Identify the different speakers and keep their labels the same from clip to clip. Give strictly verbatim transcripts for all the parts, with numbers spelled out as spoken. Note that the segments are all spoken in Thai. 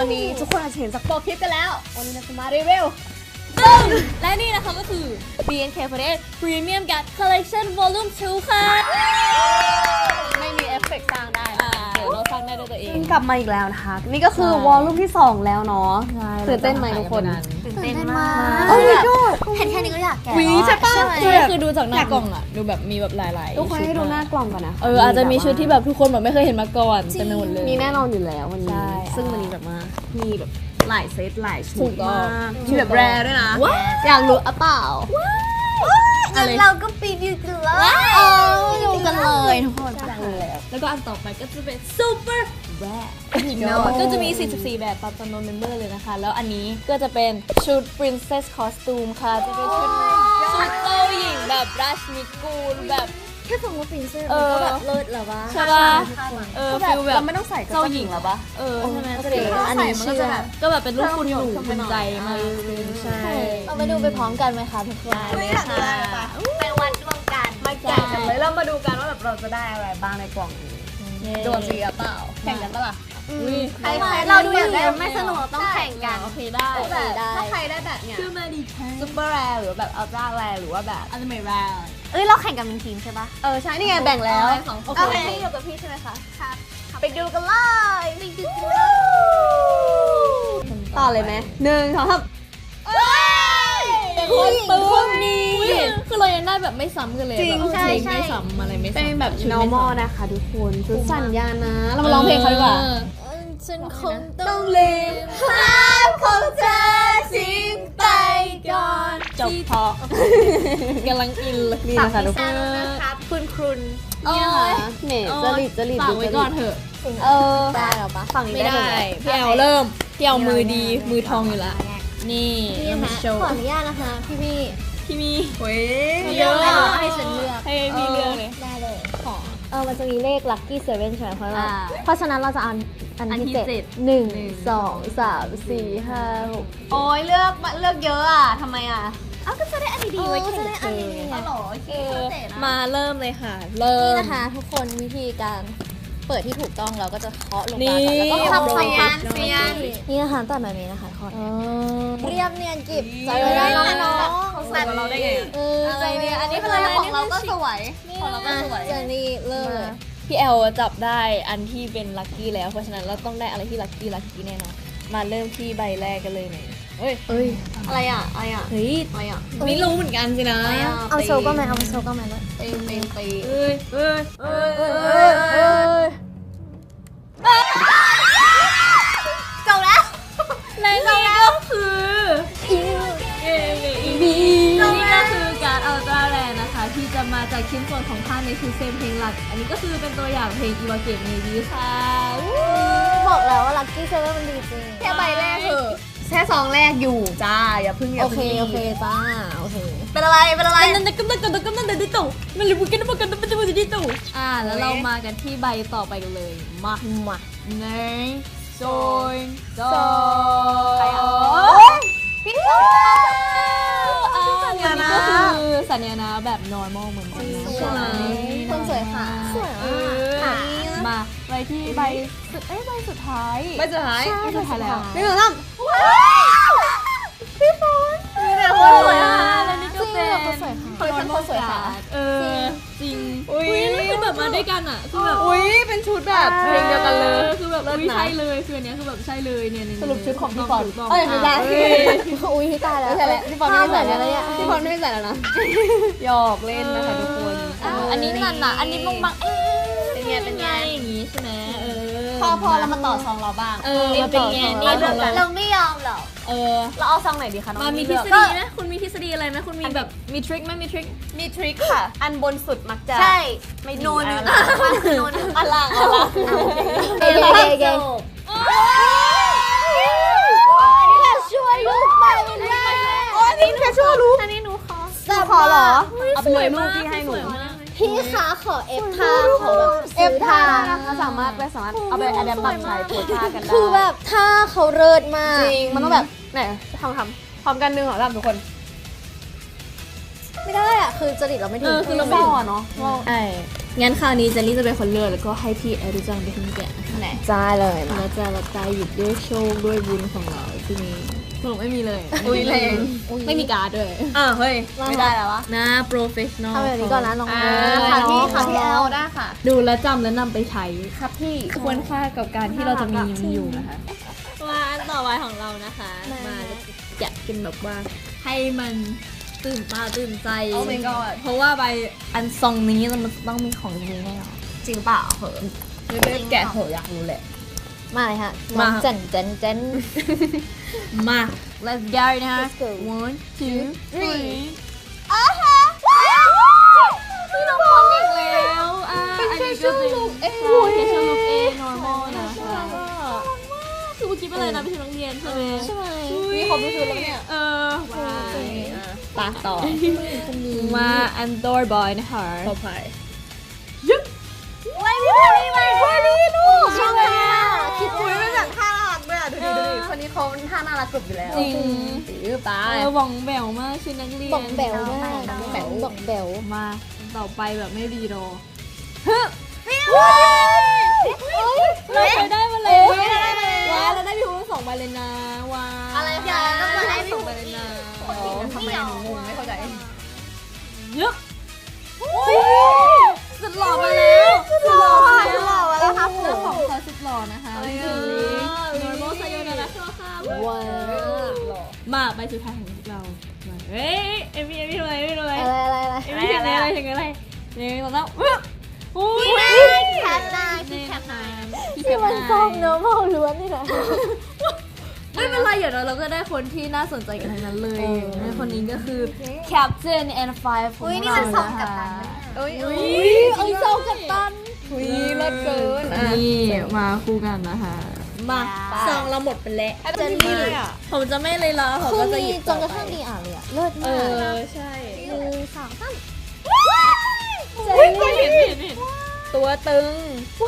Speaker 1: วันนี้ทุกคนอาจจะเห็นจากโปรคลิปกันแล้ววันนี้เราจะมารีวิว
Speaker 2: และนี่นะคะก็คือ บี เอ็น เค ฟอร์ตี้เอท Premium Guard Collection Volume ทู ค่ะ
Speaker 1: ไม่มีเอฟเฟกต์สร้างได้
Speaker 2: เดี๋ยวเราสร้างได้ด้วยตัวเอง
Speaker 1: กลับมาอีกแล้วนะคะนี่ก็คือวอลลุ่มที่สองแล้วเนาะตื่นเต้นไหมทุกคน
Speaker 2: ตื่นเต้นมาก
Speaker 1: โอ้ยก็
Speaker 3: เห็นแค่นี้ก็อยากแกะ
Speaker 1: วีใช่ป่ะ
Speaker 2: คือดูจากหน้ากล่องอ่ะดูแบบมีแบบหลายๆ
Speaker 1: ทุกคนให้ดูหน้ากล่องก่อนนะ
Speaker 2: เอออาจจะมีชุดที่แบบทุกคนแบบไม่เคยเห็นมาก่อนเต็มไปหมดเลย
Speaker 1: มีแน่นอนอยู่แล้ววันนี้ซึ่งวันนี้แบบมามีแบบหลายเซตหลายชุดมากมีแบบแรร์ด้วยนะอยากรู้อ่ะเปล่า
Speaker 3: งั้นเราก็ปีดูกันเลย
Speaker 1: ดูกันเลยทุกคน
Speaker 2: แล้วก็อันต่อไปก็จะเป็น Super Rare ก็จะมีสี่สิบสี่แบบตามจำนวนเมมเบอร์เลยนะคะแล้วอันนี้ก็จะเป็นชุด Princess Costume ค่ะจะเป็นชุดชุดเจ้าหญิงแบบราชนิกูลแบบ
Speaker 3: แค่ฟังว่า Princess มันก็แบบเลิศแล้ววะ
Speaker 2: ใช่ป่ะเออฟิลแบบ
Speaker 1: เราไม่ต้องใส่
Speaker 2: เจ้าหญิงแล้วปะเออใช่ไหม
Speaker 1: อันนี้มันก็จะแบบ
Speaker 2: ก็แบบเป็นรูปคุณหนูคุณใจมากใช่
Speaker 3: เราไปดูไปพร้อมกันไหมคะทุกคน
Speaker 1: เลยค่ะ
Speaker 3: ไปวัดดวงกัน
Speaker 1: มาแข่งกันเลยเรามาดูกันว่าแบบเราจะได้อะไรบ้างในกล่องนี้ดวงดีหรือเปล่าแข่งกันปะล่ะ
Speaker 3: ใครเราดูอย่างเดียวไม่สนุกต้องแข่งกัน
Speaker 2: โอเคได้
Speaker 1: ถ้าใครได้แบบเนี้ย
Speaker 2: คือมาดี
Speaker 1: ซุปเปอร์แรร์หรือแบบอัลตร้าแรร์หรือว่าแบบ
Speaker 2: อันไม่แรร์
Speaker 3: เอ้ยเราแข่งกันเป็นทีมใช่ปะ
Speaker 1: เออใช่นี่ไงแบ่งแล้ว
Speaker 3: โอเคพี่อยู่กับพี่ใช่ไหมคะครับไปดูกันเลย ไปดูกันเลย
Speaker 1: ต่อเลยไหมหนึ่งสองสาม
Speaker 2: เป็นคนปื้มนี้คือเรายังได้แบบไม่ซ้ำกันเลยแบบเพลงไม่ซ้ำอะไรไม่ซ้ำ
Speaker 1: เป็นแบบ normal นะคะทุกคนชุดสัญญานะเรามาร้องเพลงเขาดีกว่า
Speaker 3: ฉันคงต้องลืมภาพของเธอทิ้งไปก่อน
Speaker 2: จบพอกำลังอินเลย
Speaker 1: นี่นะคะทุกคน
Speaker 3: คุณคุณ
Speaker 1: นี่นะคะเน่จริตจริต
Speaker 2: ฝากไว้ก่อนเถอะ
Speaker 1: เออ
Speaker 3: ได้หรอปะ
Speaker 1: ฝั่งนี้
Speaker 2: ไม่
Speaker 1: ได้
Speaker 2: ได้พี่แอลเริ่มพี่แอลมือดีมือทองอยู่ละนี่
Speaker 3: มาโชว์ขออนุญาตนะคะพี่พี่
Speaker 2: พี่มี
Speaker 1: เฮ้ย
Speaker 3: เยอะให้ฉันเลือก
Speaker 2: ให้พี่เลือกเลย
Speaker 3: ได้เลย
Speaker 2: ขอ
Speaker 3: เออมันจะมีเลข lucky seven ใช่ไหมเพราะว่าเพราะฉะนั้นเราจะเอาอันที่เจ็ดหนึ่งสองสามสี่ห้าหก
Speaker 1: โอ้ยเลือกเลือกเยอะอ่ะทำไมอ่ะ
Speaker 3: อ้าวก็จะได้อันดีๆไว้แข่งกันอ๋อเหรอโอเค
Speaker 2: มาเริ่มเลยค่ะเริ่ม
Speaker 3: นี่นะคะทุกคนวิธีการเปิดที่ถูกต้องเราก็จะเคาะลงมา
Speaker 2: แล้ว
Speaker 3: ก็
Speaker 1: ทำเสียงเสียง
Speaker 3: นี่นะคะตัดแบบนี้นะคะเคาะเรียบเนียนกิบใจได้น้องๆ
Speaker 1: เขาใส่เราได้ไง
Speaker 3: เออ
Speaker 1: อะไรเนี่ยอันนี้คืออะไรของเราก็สวยของเราก็สวย
Speaker 3: เจนี่เลิศ
Speaker 2: พี่แอลจับได้อันที่เป็นลัคกี้แล้วเพราะฉะนั้นเราต้องได้อะไรที่ลัคกี้ลัคกี้แน่นอนมาเริ่มที่ใบแรกกันเลยไหมเอ้ย
Speaker 1: เอ้ยอะไรอ่ะอะไรอ่ะ
Speaker 2: เฮ้ย
Speaker 1: อะไรอ่ะ
Speaker 2: ไม่รู้เหมือนกันสินะ
Speaker 3: เอาโชว์ก็ไหมเอาโชว์ก็ไหมเลย
Speaker 1: เต็มเต็มตี
Speaker 2: เอ้ยเอ้ยเอ้ยเอ้ยเอ้ย
Speaker 3: จบแล้ว
Speaker 2: และนี่ก็คืออีเออีบีนี่ก็คือการอัลตร้าแรร์นะคะที่จะมาจากชิ้นส่วนของผ้าในคือเซมเพลงหลักอันนี้ก็คือเป็นตัวอย่างเพลงอีวาเกะเมบีค่ะ
Speaker 3: บอกแล้วว่าลัคกี้เซเว่นมันดีจริง
Speaker 1: แค่ใบแรกคือแค่ซองแรกอยู่จ้าอย่าพึ่งอย่า
Speaker 3: โอเค
Speaker 1: พึ่ง
Speaker 3: โอเคจ้าโอเค
Speaker 1: เป็นอะไรเป็นอะไร
Speaker 2: นั่นนั่นก็นั่นก็นั่นก็นั่นดิตู่มันเลยบุกกันบุกกันมันจะบุกดิตู่อ่าแล้วเรามากันที่ใบต่อไปกันเลยมา
Speaker 3: มา
Speaker 2: หนึ่งสองสอ
Speaker 3: งพี่ตุ๊ก
Speaker 2: อันนี้ก็คือสัญญาณแบบ normal เหมือนกันนะ
Speaker 3: ใช่คนสวยค่ะสวยอ่ะ
Speaker 2: มาไปที่ใบสุดเอ้ยใบสุดท้าย
Speaker 1: ใบสุดท้าย
Speaker 2: ใบสุดท้ายแล้ว
Speaker 1: นี่เหรอครับ
Speaker 3: พี่ฝน
Speaker 1: นี่แหละคนสวยอ่ะ
Speaker 2: แล้วนี่ก็เป็น
Speaker 3: คนสวยค่ะ
Speaker 1: คนสวยค่ะ
Speaker 2: เออจริงอุ้ยคือแบบมาด้วยกันอ่ะคือแบบ
Speaker 1: อุ้ยเป็นชุดแบบเพลงเดียวกันเลย
Speaker 2: คือแบบอุ้ยใช่เลยคืออันนี้คือแบบใช่เลยเนี่ย
Speaker 1: สรุปชุดของพี่ฟอน
Speaker 2: เอ้ย
Speaker 1: ไม่ได้
Speaker 3: อุ้ยตายแล้ว
Speaker 1: ใช่แล้วพี่ฟอนไม่ใส่แล้วพี่ฟอนไม่ใส่แล้วนะหยอกเล่นนะคะทุกคน
Speaker 2: อันนี้นั่นน่ะอันนี้บางบางเอ๊ะ
Speaker 1: เป็นไงเป็นไง
Speaker 2: อย่างงี้ใช่ไหมเออ
Speaker 1: พอพอเรามาต่อซองเราบ้าง
Speaker 2: เออมาเป็นไงนี่ของเรา
Speaker 3: เราไม่ยอมหรอก
Speaker 2: เออ
Speaker 1: เราเอาซองไหนดีคะน้อง
Speaker 2: มามีทฤษฎีไหมคุณมีทฤษฎีอะไรไหมคุณมีแบบมีทริคไหมมีทริค
Speaker 1: มีทริคค่ะอันบนสุดมักจะ
Speaker 3: ใช่
Speaker 1: ไม่
Speaker 3: โนนอยู่
Speaker 1: โนนอันล่างอันล่าง
Speaker 3: เก๋เก๋ช่วยลูกไปเลย
Speaker 1: โอ้ยนี่แค่ช่วยลูก
Speaker 3: อันนี้หนูขอ
Speaker 1: ขอเหรอเอาไปเลยลูกที่ให้หนู
Speaker 3: พี่คะขอเอฟท่าขอแบบ
Speaker 1: เอฟท่านะคะสามารถไปสามารถเอาไปอะแดมบังชายโพสท่ากันได้
Speaker 3: คือแบบท่าเขาเลิศมาก
Speaker 1: จริงมันต้องแบบไหนทำทำพร้อมกันหนึ่งหรอทำทุกคน
Speaker 3: ไม่ได้อ่ะคือจริตเราไม่ถึง
Speaker 2: คือเรา
Speaker 1: ไม่เนาะ
Speaker 2: ใช่งั้นคราวนี้เจนนี่จะเป็นคนเลือกแล้วก็ให้พี่แอริจังเป็นคนแกะนะคะ
Speaker 3: จ้าเลยมา
Speaker 2: เราจะรับใจหยุดด้วยโชคด้วยบุญของเราที่นี้สรุปไม่มีเลย
Speaker 1: อุ้ยแรง
Speaker 2: ไม่มีการ์ดด้วย
Speaker 1: อ่ะเฮ้ยไม่ได้แล้ววะ
Speaker 2: นะโปรเฟชชั่นอล
Speaker 3: ทำแบบนี้ก่อนนะน้อง
Speaker 1: อ่า
Speaker 3: ๆ
Speaker 1: ค่ะพี่
Speaker 3: น้อง
Speaker 1: ค่ะพี่แอลได้ค่ะ
Speaker 2: ดูแลวจำและนำไปใช้
Speaker 1: ครับพี่
Speaker 2: ควรค่ากับการที่เราจะมีมันอยู่นะคะว่าอันต่อไปของเรานะคะ มาแกะกันแบบว่าให้มันตื่นตาตื่นใจ
Speaker 1: Oh my god
Speaker 2: เพราะว่าใบอันซองนี้มันต้องมีของจริงแน่นอน
Speaker 1: จริงเปล่าเหอะ
Speaker 2: เรียกแกะเหอะอยากรู้แหละ
Speaker 3: มาเลยฮะ
Speaker 2: มา
Speaker 3: เจนเจนเจน
Speaker 2: มา let's go นะคะ
Speaker 3: Let's go
Speaker 2: one two three
Speaker 3: พี่น้องพร้อมอีก
Speaker 2: แล้วอ่ะอันนี้ก็เป็น
Speaker 1: look A
Speaker 2: ใช่ facial look A normal นะคะคือเมื่อกี้เป็นอะไรนะไปถึงโรงเรียนใช่ไหม
Speaker 3: ใช่ไหม
Speaker 2: มีครบทุกชุดแล้วเนี่ยเออว้า
Speaker 1: ปาต่อ
Speaker 2: มาอันดอร์บอยนะคะ
Speaker 1: พอพาย
Speaker 3: ไม่พี่พารีมาพารีลูกชอบมาก
Speaker 1: คิดคุยไม่จากท่าน่ารักด้วยอ่ะดูดิดูดิคนนี้เขาท่าน่ารักกรุบอยู่แล้ว
Speaker 2: จริง
Speaker 1: ถือไป
Speaker 2: เออหว่องแบวมากชุดนักเรียน
Speaker 3: บอกแบวมากแบวบอกแบว
Speaker 2: มาต่อไปแบบไม่รีรอเราเคยได้มาแล้วว้าเราได้พี่ฮูสองใบเลยนะว้า
Speaker 1: อะไรคะ
Speaker 2: เรา
Speaker 1: ก็
Speaker 2: ได้
Speaker 1: ให้
Speaker 2: สองใบเลยนะ
Speaker 1: ทำไมหนูงงไม่เข้าใจ
Speaker 2: เยอะสุดหล่อมาแล้วสุดหล่อมาแล้ว
Speaker 1: หล่อมาแล้วครับ
Speaker 2: เจ้าของเขาสุดหล่อนะคะคือ normal ไซโยนาระค่ะ
Speaker 3: ว้าว
Speaker 2: มาใบสุดท้ายของเราเฮ้ยเอมี่เอมี่ทำไมเอมี่ทำไม
Speaker 3: อะไรอะไรอะไร
Speaker 2: เอมี่ถึงอะไรถึงอะไรหนึ่งสองสามโอ้ย
Speaker 1: แคปนายพี่แคปนาย
Speaker 3: ที่มันส้มเนื้อมอล้วนนี่แหละ
Speaker 2: ไม่เป็นไรเดี๋ยวเราก็ได้คนที่น่าสนใจกันทั้งนั้นเลยคนนี้ก็คือ Captain and Five ของ
Speaker 1: อุ้ยนี่
Speaker 2: เรา
Speaker 1: มันส่ง
Speaker 2: นะ
Speaker 1: กับ
Speaker 2: คะ
Speaker 1: ตันอุ้ย
Speaker 2: อุ้
Speaker 1: อุ้
Speaker 2: ย
Speaker 1: ย
Speaker 3: ไอ้โซกับตัน
Speaker 1: อุ้ยเลิศเกิน
Speaker 2: นี่มาคู่กันนะคะมาซองเราหมดไปแล้ว
Speaker 1: เจนนี่เลยอ่ะ
Speaker 2: ผมจะไม่เลยละผม
Speaker 3: คือ
Speaker 2: ก็จะ
Speaker 3: มี
Speaker 2: หยิบ
Speaker 3: จนกระทั่งดีอ่านเลยอะเลิศ
Speaker 2: เอ
Speaker 3: มาก
Speaker 2: อใช่
Speaker 3: หนึ่งสองสาม
Speaker 2: เฮ้ยเห็นเห็นเห็นตัวตึง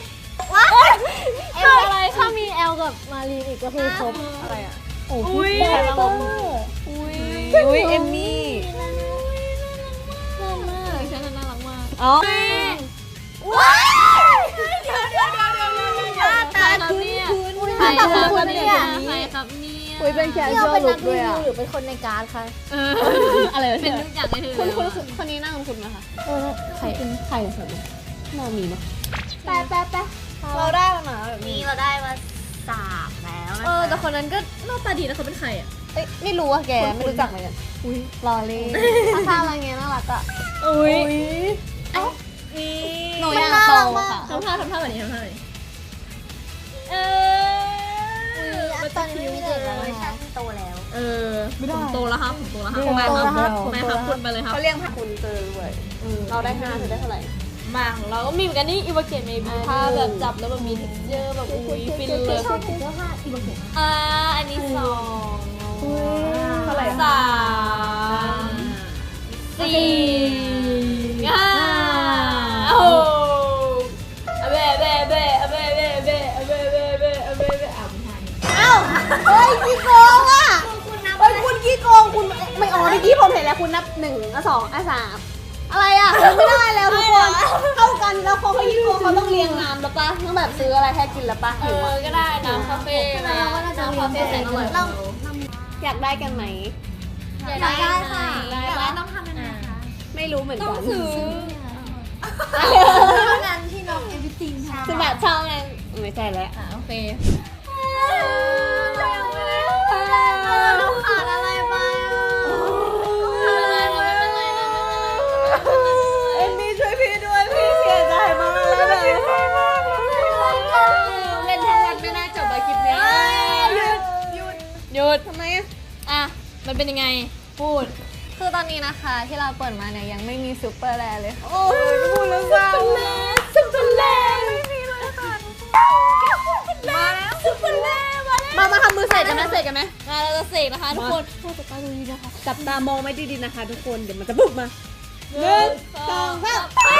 Speaker 3: เอลอะไรถ้ามีแอลกับมารีนอีกก็คือครบ
Speaker 1: อะไรอ่ะ
Speaker 3: โอ้
Speaker 2: อุ้ย
Speaker 3: พี่แพร
Speaker 2: น่า
Speaker 3: ต้
Speaker 2: รั
Speaker 3: อก ง
Speaker 2: มากอุ้ย
Speaker 1: อุ้ยเอมมี่
Speaker 2: น่ารักมากดิฉันน่ารักมาก
Speaker 1: อ๋อ
Speaker 2: ว้ายเดี๋ยวเดี๋ยวเดี๋ยวเดี๋ยวเดี๋ยวเดี๋ยว
Speaker 1: ตา
Speaker 2: ครับเนี่ย
Speaker 3: หน้าตาคุ้นๆเนี่ย
Speaker 2: ใครครับเนี่ย
Speaker 1: อุ้ยเป็นแคช
Speaker 3: นี่
Speaker 1: ช
Speaker 3: เรา
Speaker 1: วล
Speaker 3: เป็น
Speaker 1: ลุ
Speaker 3: นั
Speaker 1: ค
Speaker 3: ก
Speaker 1: ด้
Speaker 3: รี
Speaker 1: วย
Speaker 3: วิ
Speaker 1: อ่ะ
Speaker 3: วหรือเป็นคนในการ์ดคะ
Speaker 2: เอออะไรเป็นทุกอย่างเลยคุณคุณ
Speaker 1: คนนี้น่าคุ้นไหมคะ
Speaker 3: เออใครใครสนเรามีเนาะ
Speaker 1: แป๊ะแป๊ะแป๊ะเราได้แล้วนะแบบนี้เราได้มาสามแล้วนะ
Speaker 2: เออแต่คนนั้นก็หน้าตาดีนะเขาเป็นใครอ่ะ
Speaker 1: เอ้ยไม่รู้อ่ะแกไม่รู้จักเหมือนกัน
Speaker 2: อุ้ย
Speaker 3: ลอรี่ท่าอะไรเงี้ยน่ารักอ่ะ
Speaker 2: อุ้ย
Speaker 1: นี่
Speaker 3: หนูอยากโตค่ะ
Speaker 2: ทำท่าทำท่าแบบนี้ทำท่าแบบนี้เออ
Speaker 3: ตอนนี้ไม่มีเด็กแล้ว
Speaker 1: เวอร์ชั
Speaker 3: นะ
Speaker 1: นโตแล้ว
Speaker 2: เออผมโตแล้วครับผมโตแล้วครับ
Speaker 3: ผม
Speaker 2: ไม่
Speaker 3: โต
Speaker 2: ค
Speaker 3: แล้วครั
Speaker 2: รับบ ไม่ครับคุณไปเลยครับ
Speaker 1: เขาเรียกพาคุณเจอด้วยเราได้ห้าเธอได้เท่าไหร่
Speaker 2: มาของเราก็มีเหมือนกันนี่อีวาเกตเมบีผ้าแบบจับแล้วแบบมี texture แบบอุ้ยฟินเลย
Speaker 3: ชอบเสื้อผ้าอีโบเกะ
Speaker 2: อ่าอันนี้สอง
Speaker 1: เท่าไหร่
Speaker 2: สามสี่ห้าโอ้อะเบ้เบ้เบ้อะเบ้เบ้เบ้อะเบ้เบ้เบ้อะเบ้เบ้อ่ะไม่ทัน
Speaker 3: เฮ้ยพี่โกงอ่ะ
Speaker 1: เฮ้ยคุณขี้โกงคุณไม่อ๋อเมื่อกี้ผมเห็นแล้วคุณนับหนึ่งอ่ะสองอ่ะสามอะไรอ่ะไม่ได้แล้วทุกคนเท่ากันแล้วเขาเขาขี้โกงเขาต้องเรียงน้ำแล้วปะต้องแบบซื้ออะไรให้กินแล้วปะ
Speaker 2: เอ
Speaker 1: หิว
Speaker 2: อ
Speaker 1: อ่ะ
Speaker 2: ก็ได้น้ำคาเฟ่นะน้ำคาเฟ่แสนอร่อย
Speaker 1: อยากได้กันไหม
Speaker 2: อยากได้ค่ะ
Speaker 1: ได้ปะต้องทำยังไงคะไม่รู้เหมือน
Speaker 2: ต้
Speaker 1: กั
Speaker 2: อน งซื้อ
Speaker 3: เท่านั้นที่น้องเอวิติงค่ะ
Speaker 1: คือแบบเช่าไงไม่ใช่แล้ว
Speaker 2: อ่ะโอเค
Speaker 1: เราขาดอะไรไปเอ็มมี่ช่วยพี่ด้วยพี่เสียใจมากเลยแบบเล่นทั้งวันไม่น่าจบอะคลิปนี้หยุดหยุด
Speaker 2: หยุด
Speaker 1: ทำไมอะ
Speaker 2: อ่ะมันเป็นยังไงพูด
Speaker 3: คือตอนนี้นะคะที่เราเปิดมาเนี่ยยังไม่มีซูเปอร์แรร์เลย
Speaker 1: โอ้ยพูดแล้วเศร้า
Speaker 2: ซุปเปอร์แลนด์
Speaker 1: ไม่มีเลยค่ะ
Speaker 2: มาแล้วซุปเปอร์แลนด์มาแล้ว
Speaker 1: มามาทำมือใส่กันไหมใส่กันไหม
Speaker 2: มาเราจะเสกนะคะทุกคนเราจะตาดูดีนะคะ
Speaker 1: จับตามองไม่ดีๆนะคะทุกคนเดี๋ยวมันจะบุกมา
Speaker 2: หนึ่ง
Speaker 1: สองสาม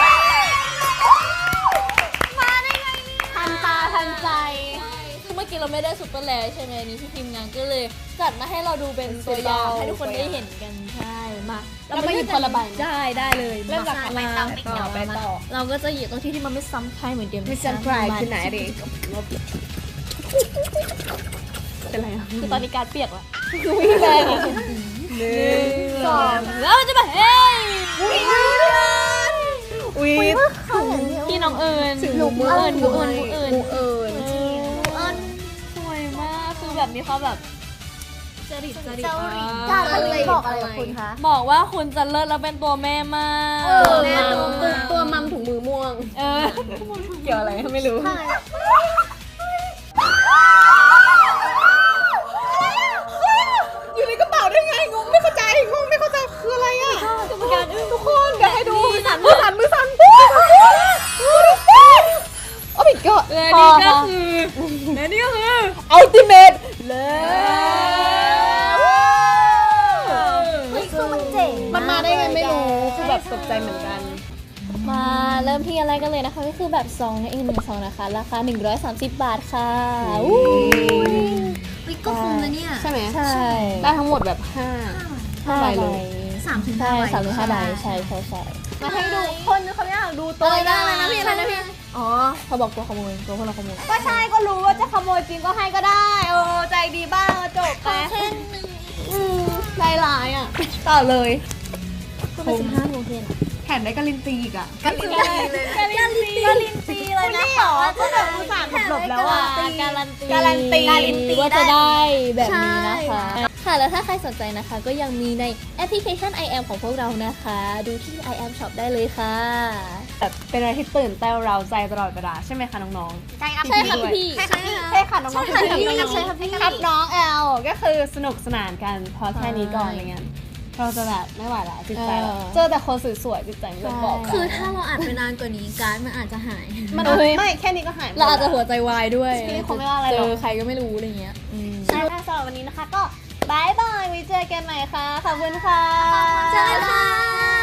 Speaker 3: มาได้ไงทันตาทันใจ
Speaker 2: คือเมื่อกี้เราไม่ได้ซุปเปอร์แลนด์ใช่ไหมนี่ที่ทีมงานก็เลยจัดมาให้เราดูเป็นตัวอย่างให้ทุกคนได้เห็นกันใช่มา
Speaker 1: แล้วมาหยิบคนละใบ
Speaker 2: ได้ได้เลย
Speaker 1: เริ่มจาก
Speaker 2: มา
Speaker 1: ไปต่อไปต่อ
Speaker 2: เราก็จะหยิบตรงที่ที่มันไม่ซ้ำใครเหมือนเดิม
Speaker 1: ไม่ซันไพรส์คือไหนดิเป็นไรอ่ะ
Speaker 2: คือตอนนี้การเปียกแล้ว
Speaker 1: วิ่งแรงอ่ะ
Speaker 2: หนึ่งสองแล้วมันจะแบบเฮ้ย
Speaker 1: อุ้ย
Speaker 2: พี่น้องเอิญ
Speaker 1: หนูมือ
Speaker 2: เอิญหมูเอิญหมูเอิญ
Speaker 1: หมูเอิญ
Speaker 2: เอิญสวยมากคือแบบนี้เขาแบบจริตจริต
Speaker 3: การอะไรบอกอะไรกับคุณคะ
Speaker 2: บอกว่าคุณจะเลิศแล้วเป็นตัวแม่มาก
Speaker 1: แม่ตัวตัวตัวมัมถุงมือม่วง
Speaker 2: เออเกี่ยวอะไรไม่รู้
Speaker 1: อยู่ในกระเป๋าได้ไงงงไม่เข้าใจงงไม่เข้าใจคืออะไรอ่ะ
Speaker 2: กรรมการอึ้ง
Speaker 1: ทุกคนเดี๋ยวให้ดูมือสั่นมือสั่นมือสั่นโอ้ my god
Speaker 2: และนี่ก็คือและนี่ก็คือ
Speaker 1: ultimate เลย
Speaker 3: คือมันเจ๋ง
Speaker 1: มันมาได้ไงไม่รู้คือแบบตกใจเหมือนกัน
Speaker 2: มาเริ่มที่อะไรกันเลยนะคะก็คือแบบซองนั่นเองหนึ่งซองนะคะราคาหนึ่งร้อยสามสิบบาทค่ะอู้
Speaker 4: วิกก็คุ้มนะเนี่ย
Speaker 1: ใช่ไหม
Speaker 2: ใช่
Speaker 1: ได้ทั้งหมดแบบห้า
Speaker 2: ห้าใบเลย
Speaker 4: สามถึง
Speaker 2: ใช่
Speaker 4: ห้าใบ
Speaker 2: สามถึงห้าใบใช่ใช่ใช่
Speaker 1: มาให้ดูคนเขาอยากดูตัวได้เลยนะพี่อะไรนะพี่
Speaker 2: อ๋อเขาบอกตัวขโมยตัวพวกเราขโมย
Speaker 1: ก็ใช่ก็รู้ว่าจะขโมยจริงก็ให้ก็ได้โอ้ใจดีบ้างจบไปอืมใจร้ายอ่ะต่อเลย
Speaker 2: ก็เป็นสิบห้าโมงเย็น
Speaker 1: แถมได้กาลินตีอีกอ่ะ
Speaker 4: กันลินตีเลย
Speaker 2: กาลินตีกาลินตีเลยนะ
Speaker 1: หรอก็แบบอุตส่าห์หลบแล้วอ่ะ
Speaker 2: การันตี
Speaker 1: การันตี
Speaker 2: การันตีว่าจะได้แบบนี้นะคะ ค่ะแล้วถ้าใครสนใจนะคะ ก็ยังมีในแอปพลิเคชัน ไอ แอม ของพวกเรานะคะ ดูที่ ไอ แอม Shop ได้เลยค่ะ
Speaker 1: แบบเป็นอะไรที่ตื่นเต้นเราใจตลอดเวลาใช่ไหมคะน้องๆ
Speaker 4: ใช่ครับ
Speaker 2: ใช่ค่ะพี่
Speaker 4: ใช่ค่ะพี่
Speaker 1: ใช่ค่ะน้องๆ
Speaker 4: ใช่ค่ะ
Speaker 1: พี่
Speaker 4: พี่
Speaker 1: น้องๆ
Speaker 4: ใช่ค่ะพี่
Speaker 1: ครับน้องแอลก็คือสนุกสนานกันพอแค่นี้ก่อนอะไรเงี้ยเราจะแบบไม่ไหวแล้วจิตใจเรา
Speaker 2: เออ
Speaker 1: เจอแต่คนสวยๆจิตใจไม่ยอมบอก
Speaker 4: คือถ้าเราอ่านไปนานกว่านี้การ์ดมันอาจจะหาย
Speaker 1: มัน
Speaker 2: เอ้ย
Speaker 1: ไม่แค่นี้ก็หายหมด
Speaker 2: เราอาจจะหัวใจวายด้วย
Speaker 1: พี่คงไม่ว่าอะไร
Speaker 2: เจ
Speaker 1: หรอก
Speaker 2: อใครก็ไม่รู้อะไรเงี้ยอืม
Speaker 1: ใช่ค่ะสำหรับวันนี้นะคะก็บายบายไว้เจอกันใหม่ค่ะขอบคุณค่ะ
Speaker 4: เจอกันค่ะ